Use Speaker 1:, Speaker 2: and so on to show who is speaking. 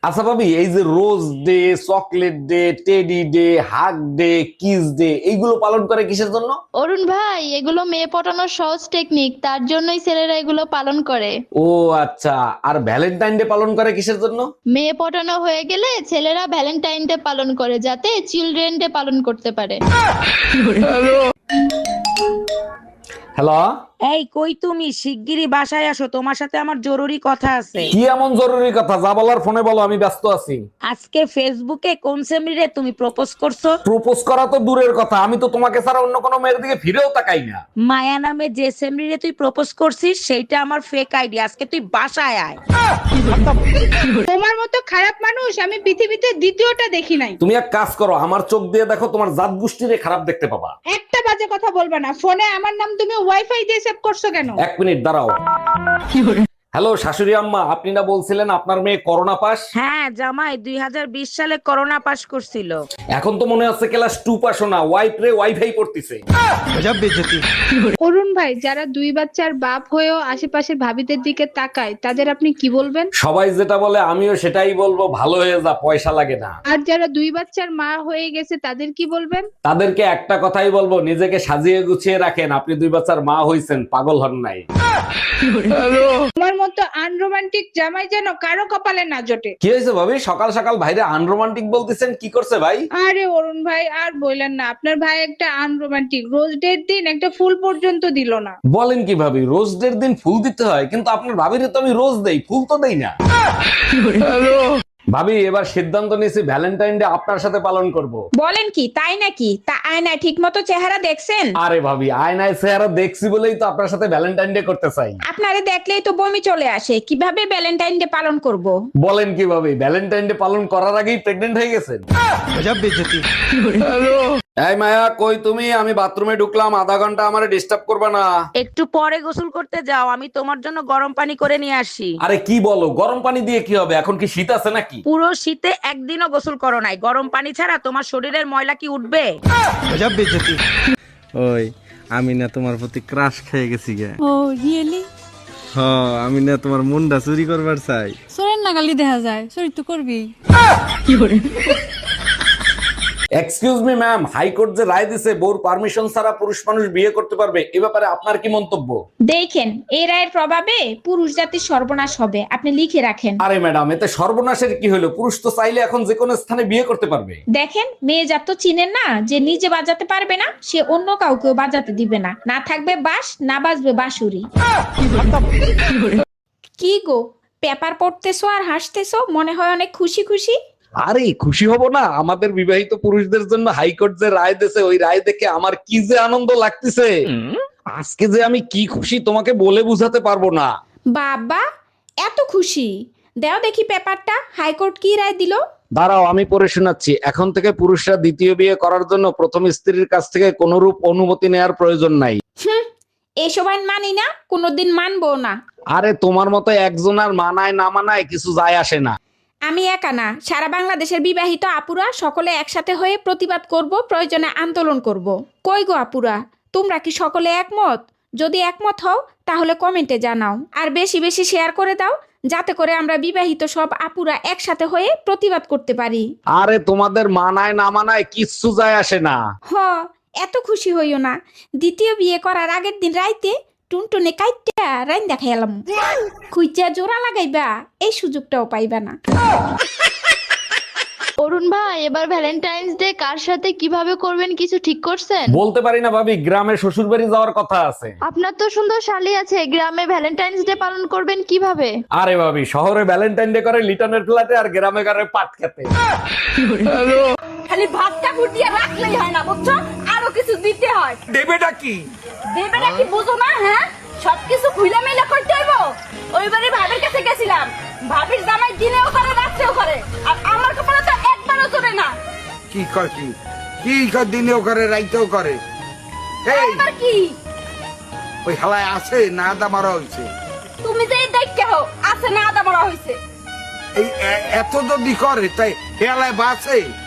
Speaker 1: আচ্ছা ভাবি, এই যে rose day, chocolate day, teddy day, hug day, kiss day, এইগুলো পালন করে কিসের জন্য?
Speaker 2: অরুণ ভাই, এগুলো মেয়ে পটানোর সহজ টেকনিক, তার জন্যই ছেলেরা এগুলো পালন করে।
Speaker 1: ও আচ্ছা। আর ভ্যালেন্টাইন ডে পালন করে কিসের জন্য?
Speaker 2: মেয়ে পটানো হয়ে গেলে ছেলেরা ভ্যালেন্টাইন ডে পালন করে, যাতে চিলড্রেন ডে পালন করতে পারে।
Speaker 1: হ্যালো।
Speaker 3: এই কই তুমি? শিগগিরই বাসায় আসো, তোমার সাথে আমার জরুরি কথা আছে।
Speaker 1: কি এমন জরুরি কথা? যা বলার ফোনে বলো, আমি ব্যস্ত আছি।
Speaker 3: আজকে ফেসবুকে কোন সেমরিরে তুমি প্রপোজ করছো?
Speaker 1: প্রপোজ করা তো দূরের কথা, আমি তো তোমাকে ছাড়া অন্য কোনো মেয়ের দিকে ফিরেও তাকাই না।
Speaker 3: মায়া নামে যে সেমরিরে তুই প্রপোজ করছিস সেইটা আমার ফেক আইডি। আজকে তুই বাসায় আয়।
Speaker 4: তোমার মতো খারাপ মানুষ আমি পৃথিবীতে দ্বিতীয়টা দেখি নাই।
Speaker 1: তুমি এক কাজ করো, আমার চোখ দিয়ে দেখো, তোমার জাত গোষ্ঠীরে খারাপ দেখতে পাবা।
Speaker 4: একটা বাজে কথা বলবা না। ফোনে আমার নাম তুমি ওয়াইফাই দিয়ে সেভ করছো কেন?
Speaker 1: এক মিনিট দাঁড়াও। হ্যালো শাশুড়ি আম্মা, আপনি না বলছিলেন আপনার মেয়ে করোনা পাস?
Speaker 3: হ্যাঁ জামাই, 2020 সালে করোনা পাস করছিল।
Speaker 1: এখন তো মনে হচ্ছে ক্লাস 2 পাসও না, ওয়াইফ রে ওয়াইফাই পড়তিছে।
Speaker 4: অরুণ ভাই, যারা দুই বাচ্চার বাপ হয়েও আশেপাশের ভাবিদের দিকে তাকায় তাদের আপনি কি বলবেন?
Speaker 1: সবাই যেটা বলে আমিও সেটাই বলবো, ভালো হয়ে যা, পয়সা লাগে না।
Speaker 4: আর যারা দুই বাচ্চার মা হয়ে গেছে তাদের কি বলবেন?
Speaker 1: তাদেরকে একটা কথাই বলবো, নিজেকে সাজিয়ে গুছিয়ে রাখেন, আপনি 2 বাচ্চার মা হইছেন, পাগল হন নাই।
Speaker 4: তোমার মতো আনরোমান্টিক জামাই যেন কারো কপালে না জোটে।
Speaker 1: কি হয়েছে ভাবি, সকাল সকাল ভাইরে আনরোমান্টিক বলতেছেন? কি করছে ভাই?
Speaker 4: আরে অরুণ ভাই, আর বললেন না, আপনার ভাই একটা আনরোমান্টিক। রোজ ডের দিন একটা ফুল পর্যন্ত দিল না।
Speaker 1: বলেন কি ভাবি, রোজ ডের দিন ফুল দিতে হয়? কিন্তু আপনার ভাবিরে তো আমি রোজ দেই, ফুল তো দেই না। ভাবি, এবার সিদ্ধান্ত নিয়েছি ভ্যালেন্টাইন ডে আপনার সাথে পালন করব।
Speaker 5: বলেন কি, তাই নাকি? তা আয়নায় ঠিক মতো চেহারা দেখছেন?
Speaker 1: আরে ভাবি, আয়নায় চেহারা দেখছি বলেই তো আপনার সাথে ভ্যালেন্টাইন ডে করতে চাই।
Speaker 5: আপনারে দেখলেই তো বমি চলে আসে, কিভাবে ভ্যালেন্টাইন ডে পালন করব?
Speaker 1: বলেন কি ভাবি, ভ্যালেন্টাইন ডে পালন করার আগেই প্রেগনেন্ট হয়ে গেছেন? এই মায়া, কই তুমি? আমি বাথরুমে ঢুকলাম, আধা ঘন্টা আমারে ডিস্টার্ব করবা না।
Speaker 3: একটু পরে গোসল করতে যাও, আমি তোমার জন্য গরম পানি করে নিয়ে আসি।
Speaker 1: আরে কি বলো, গরম পানি দিয়ে কি হবে? এখন কি শীত আছে নাকি?
Speaker 3: পুরো শীতে একদিনও গোসল করো নাই, গরম পানি ছাড়া তোমার শরীরের ময়লা কি উঠবে?
Speaker 6: ওই আমি না তোমার প্রতি ক্রাশ খেয়ে গেছি গে।
Speaker 7: ও রিয়েলি?
Speaker 6: হ, আমি না তোমার মুন্ডা চুরি করবার চাই।
Speaker 7: সোরেন নাগালি দেখা যায়, চুরি তো করবি।
Speaker 1: এক্সকিউজ মি ম্যাম, হাইকোর্ট যে রায় দিছে বউর পারমিশন ছাড়া পুরুষ মানুষ বিয়ে করতে পারবে, এ ব্যাপারে আপনার কি মন্তব্য?
Speaker 5: দেখেন, এই রায়ের প্রভাবে পুরুষ জাতির সর্বনাশ হবে, আপনি লিখে রাখেন।
Speaker 1: আরে ম্যাডাম, এতে সর্বনাশের কি হলো? পুরুষ তো চাইলে এখন যে কোনো স্থানে বিয়ে করতে পারবে।
Speaker 5: দেখেন, মেয়ে জাত তো চিনেন না, যে নিজে বাজাতে পারবে না সে অন্য কাউকেও বাজাতে দিবে না। না থাকবে বাঁশ, না বাজবে বাঁশুরি। কি গো, পেপার পড়তেছো আর হাসতেছো, মনে হয় অনেক খুশি খুশি।
Speaker 1: আরে খুশি হব না? আমাদের বিবাহিত পুরুষদের জন্য হাইকোর্ট যে রায় দিয়েছে, ওই রায় দেখে আমার কি যে আনন্দ লাগতেছে। আজকে যে আমি কি খুশি তোমাকে বলে বুঝাতে পারবো না।
Speaker 5: বাবা, এত খুশি? দাও দেখি পেপারটা, হাইকোর্ট কি রায় দিল।
Speaker 1: দাঁড়াও, আমি পড়ে শোনাচ্ছি। এখন থেকে পুরুষরা দ্বিতীয় বিয়ে করার জন্য প্রথম স্ত্রীর কাছ থেকে কোনরূপ অনুমতি নেওয়ার প্রয়োজন নাই।
Speaker 5: এসব আইন মানি না, কোনোদিন মানবো না।
Speaker 1: আরে তোমার মতো একজন আর মানায় না মানায় কিছু যায় আসে না।
Speaker 5: আমি একা না, সারা বাংলাদেশের বিবাহিত আপুরা সকলে একসাথে হয়ে প্রতিবাদ করব, প্রয়োজনে আন্দোলন করব। কই গো আপুরা, তোমরা কি সকলে একমত? যদি একমত হও তাহলে কমেন্টে জানাও, আর বেশি বেশি শেয়ার করে দাও, যাতে করে আমরা বিবাহিত সব আপুরা একসাথে হয়ে প্রতিবাদ করতে পারি।
Speaker 1: আরে তোমাদের মানায় না মানায় কিচ্ছু যায় আসে না।
Speaker 5: হ, এত খুশি হইও না। দ্বিতীয় বিয়ে করার আগের দিন রাইতে টুনটুনে কাইটা রাইন দেখাইলাম। খুঁজা জোড়া লাগাইবা, এই সুযোগটাও পাইবা না।
Speaker 2: অরুণ ভাই, এবার ভ্যালেন্টাইন্স ডে কার সাথে কিভাবে করবেন কিছু ঠিক করছেন?
Speaker 1: বলতে পারি না ভাবি, গ্রামে শ্বশুর বাড়ি যাওয়ার কথা আছে।
Speaker 2: আপনার তো সুন্দর শালি আছে, গ্রামে ভ্যালেন্টাইন্স ডে পালন করবেন কিভাবে?
Speaker 1: আরে ভাবি, শহরে ভ্যালেন্টাইন ডে করে লিটনের ফ্ল্যাটে, আর গ্রামে করে পাট খেতে।
Speaker 8: খালি ভাতটা ফুটিয়ে রাখলেই হয় না, বুঝছো? আরো কিছু দিতে হয়।
Speaker 1: দেবেটা কি?
Speaker 8: দেবেটা কি বুঝো না? হ্যাঁ, সবকিছু খুইলা মেলা করতে হইব। ওইবারে ভাবির কাছে গেছিলাম, ভাবির জামাই দিনেও করে রাত্রেও করে, আর আমার কপালে তো একবারও চলে না।
Speaker 9: কি কয় কি কি কয়, দিনেও করে রাইতেও করে। এই
Speaker 8: এবার কি
Speaker 9: ওই হালায় আছে না আদা মারা হয়েছে?
Speaker 8: তুমি যে দেখতে হো আছে না আদা মরা হয়েছে?
Speaker 9: এই এত যদি করে তাই হেলায় বাসে